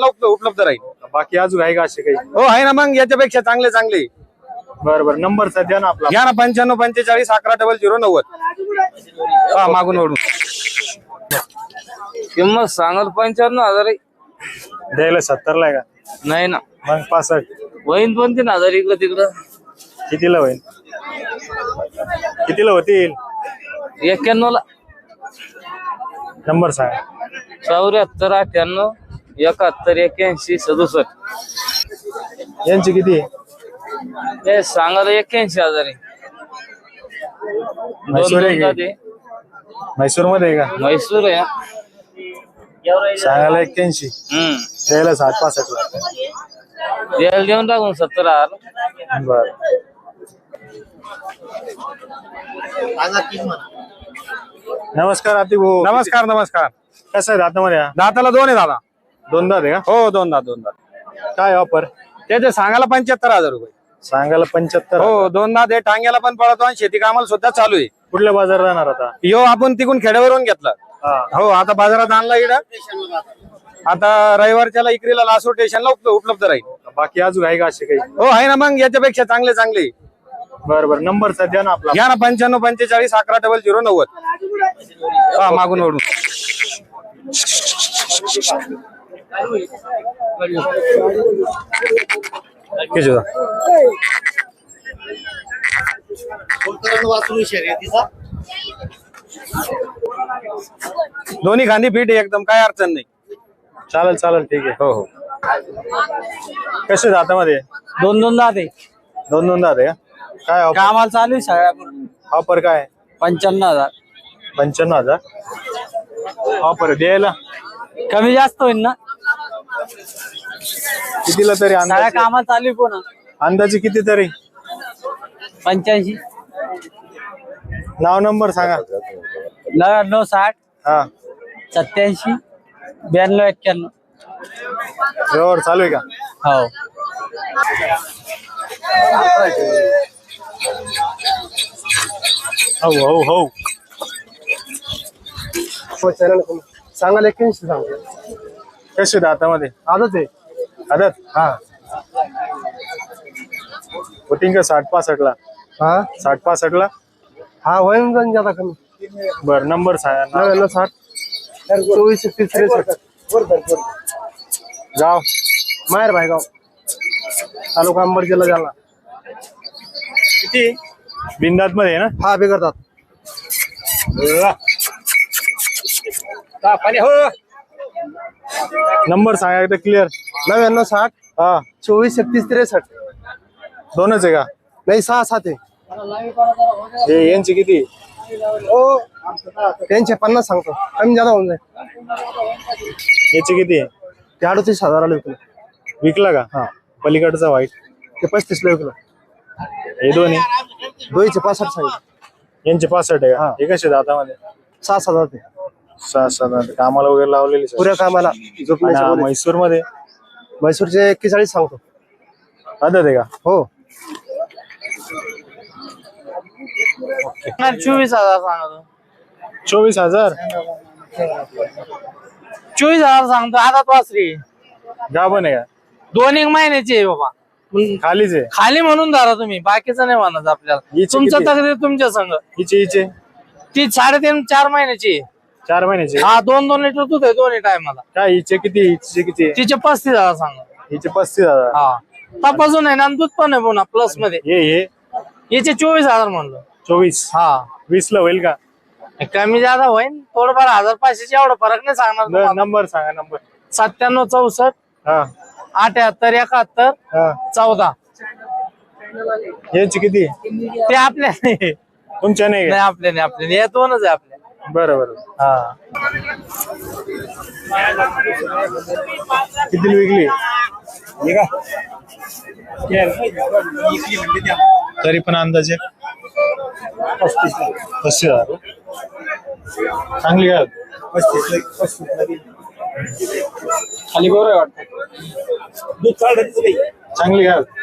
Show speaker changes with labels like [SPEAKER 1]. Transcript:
[SPEAKER 1] स्टेशनला उपलब्ध राहील.
[SPEAKER 2] बाकी अजून आहे का असे काही?
[SPEAKER 1] हो आहे ना, मग याच्यापेक्षा चांगले चांगले.
[SPEAKER 2] बरं नंबर सध्या ना आपला
[SPEAKER 1] घ्या ना, 95 45 11 0090. हा मागून ओढून
[SPEAKER 3] किंमत सांगाल 95,000 आहे.
[SPEAKER 2] द्यायला 70 ला आहे का?
[SPEAKER 3] नाही ना,
[SPEAKER 2] मग 65
[SPEAKER 3] वहीन 2-3,000 इकडं तिकडं.
[SPEAKER 2] कितीला होईल? कितीला होतील?
[SPEAKER 3] 91 ला.
[SPEAKER 2] नंबर सांगा.
[SPEAKER 3] 74 98 71 81 67.
[SPEAKER 2] यांची किती?
[SPEAKER 3] हे सांगायला 81,000 आहे.
[SPEAKER 2] म्हैसूर आहे
[SPEAKER 3] दोन
[SPEAKER 2] की? म्हैसूर मध्ये आहे का?
[SPEAKER 3] म्हैसूर आहे.
[SPEAKER 2] सांगायला 81, द्यायला 60 ला.
[SPEAKER 3] द्यायला देऊन टाकून 70,000.
[SPEAKER 2] बर नमस्कार आतिक भाऊ.
[SPEAKER 1] नमस्कार नमस्कार.
[SPEAKER 2] कसं आहे दातामध्ये?
[SPEAKER 1] दाताला 2 आहे दादा.
[SPEAKER 2] 2 दात आहे का?
[SPEAKER 1] हो 2 दात 2 दात.
[SPEAKER 2] काय ऑफर?
[SPEAKER 1] त्याचे सांगायला 75,000 रुपये.
[SPEAKER 2] सांगायला 75.
[SPEAKER 1] हो 2 दात आहे, टांग्याला पण पळतो आणि शेती कामाला सुद्धा चालू आहे.
[SPEAKER 2] कुठल्या बाजारात जाणार आता?
[SPEAKER 1] यो आपण तिकून खेड्यावरून घेतला.
[SPEAKER 2] हा.
[SPEAKER 1] हो आता बाजारात आणला इकडं. आता रविवारच्याला इकरीला लासूर स्टेशनला उपलब्ध राहील.
[SPEAKER 2] बाकी अजून आहे का असे काही?
[SPEAKER 1] हो आहे ना, मग याच्यापेक्षा चांगले चांगले.
[SPEAKER 2] बरं नंबर सध्या ना आपला
[SPEAKER 1] घ्या ना, 95 45 11 0090. हा मागून ओढून दोन्ही खांदी फिट आहे एकदम, काय अडचण नाही.
[SPEAKER 2] चालेल ठीक आहे.
[SPEAKER 1] हो हो.
[SPEAKER 2] कसे दातामध्ये?
[SPEAKER 3] 2 दात आहे.
[SPEAKER 2] 2 दात आहे का? काय ऑफर?
[SPEAKER 3] कामाला चालू आहे सगळ्या.
[SPEAKER 2] ऑफर काय?
[SPEAKER 3] 95,000.
[SPEAKER 2] 95,000 ऑफर द्यायला
[SPEAKER 3] कमी जास्त होईल ना?
[SPEAKER 2] कितीला तरी
[SPEAKER 3] सगळ्या
[SPEAKER 2] अंदाजे?
[SPEAKER 3] कामाला चालू आहे पुन्हा.
[SPEAKER 2] अंदाजे किती तरी?
[SPEAKER 3] 85.
[SPEAKER 2] नाव नंबर सांगा.
[SPEAKER 3] 90
[SPEAKER 2] हा
[SPEAKER 3] 87 92 91.
[SPEAKER 2] व्यवहार चालू आहे का?
[SPEAKER 3] हो.
[SPEAKER 2] हो
[SPEAKER 1] सांगायला 81 सांगतो.
[SPEAKER 2] कसे दातामध्ये?
[SPEAKER 1] आजच आहे.
[SPEAKER 2] आदत
[SPEAKER 1] हा
[SPEAKER 2] होतीन का 60 ला?
[SPEAKER 1] हा
[SPEAKER 2] 60 ला.
[SPEAKER 1] हा होईल जाऊन ज्यादा कमी.
[SPEAKER 2] बर नंबर सांगा.
[SPEAKER 1] 99 60 24 33 63.
[SPEAKER 2] गाव
[SPEAKER 1] माहेर भाईगाव, तालुका अंबड, जिल्हा जालना.
[SPEAKER 2] किती? बिंदात मध्ये आहे ना?
[SPEAKER 1] हा बिघडतात.
[SPEAKER 2] नंबर सांगा एकदा क्लिअर.
[SPEAKER 1] 99 60
[SPEAKER 2] हा
[SPEAKER 1] 24 36 63.
[SPEAKER 2] दोनच आहे का?
[SPEAKER 1] नाही 6 7 आहे.
[SPEAKER 2] हे यांची किती?
[SPEAKER 1] हो त्यांचे 50 सांगतो, कमी ज्यादा होऊन जाईल.
[SPEAKER 2] याची किती आहे?
[SPEAKER 1] ते 38,000 विकलं.
[SPEAKER 2] विकला का?
[SPEAKER 1] हा
[SPEAKER 2] पलीकडचा व्हाईट
[SPEAKER 1] ते 35 ला विकलं.
[SPEAKER 2] हे दोन्ही
[SPEAKER 1] दोईचे 65 सांगितलं.
[SPEAKER 2] यांचे 65 आहे का?
[SPEAKER 1] हा.
[SPEAKER 2] हे कसे दातामध्ये?
[SPEAKER 1] 6,000 ते
[SPEAKER 2] 6-7 कामाला वगैरे लावलेली सर.
[SPEAKER 1] पुऱ्या कामाला झोपण्याच्या बोलीत.
[SPEAKER 2] म्हैसूर मध्ये
[SPEAKER 1] म्हैसूरचे 41 सांगतो.
[SPEAKER 2] आदत आहे का?
[SPEAKER 1] हो
[SPEAKER 3] 24,000 सांगतो.
[SPEAKER 2] 24,000
[SPEAKER 3] 24,000 सांगतो. आता वासरी
[SPEAKER 2] गाभण आहे का?
[SPEAKER 3] 2-1 महिन्याची आहे बाबा.
[SPEAKER 2] खालीच आहे.
[SPEAKER 3] खाली म्हणून धरा तुम्ही, बाकीचं नाही म्हणत आपल्याला.
[SPEAKER 2] हिची
[SPEAKER 3] तुमचं
[SPEAKER 2] किती?
[SPEAKER 3] तक्रार तुमच्या संग.
[SPEAKER 2] हिचे
[SPEAKER 3] ती 3.5-4 महिन्याची आहे.
[SPEAKER 2] 4 महिन्याचे.
[SPEAKER 3] हा 2-2 लिटर दूध आहे दोन्ही टायमाला.
[SPEAKER 2] काय हिचे किती? हिचे किती?
[SPEAKER 3] तिचे 35,000 सांगा.
[SPEAKER 2] हिचे 35,000.
[SPEAKER 3] हा तपासून आहे ना, आणि दूध पण आहे पुन्हा प्लस मध्ये.
[SPEAKER 2] हे
[SPEAKER 3] याचे 24,000 म्हणलं.
[SPEAKER 2] 24
[SPEAKER 3] हा
[SPEAKER 2] 20 ला होईल का?
[SPEAKER 3] कमी जादा होईल थोडंफार. 1,500 एवढा फरक नाही सांगणार तुम्हाला.
[SPEAKER 2] नंबर सांगा. नंबर
[SPEAKER 3] 97 64
[SPEAKER 2] हा
[SPEAKER 3] 78 71
[SPEAKER 2] हा
[SPEAKER 3] 14.
[SPEAKER 2] यांची किती?
[SPEAKER 3] ते आपल्या नाही,
[SPEAKER 2] तुमच्या नाही का?
[SPEAKER 3] आपल्या नाही, आपल्या नाही. हे दोनच आहे आपल्या.
[SPEAKER 2] बरं
[SPEAKER 3] हा
[SPEAKER 2] किती विकली? तरी पण अंदाजे 35,000 चांगली काय?
[SPEAKER 3] खाली बरोबर वाटतं.
[SPEAKER 2] चांगली काय?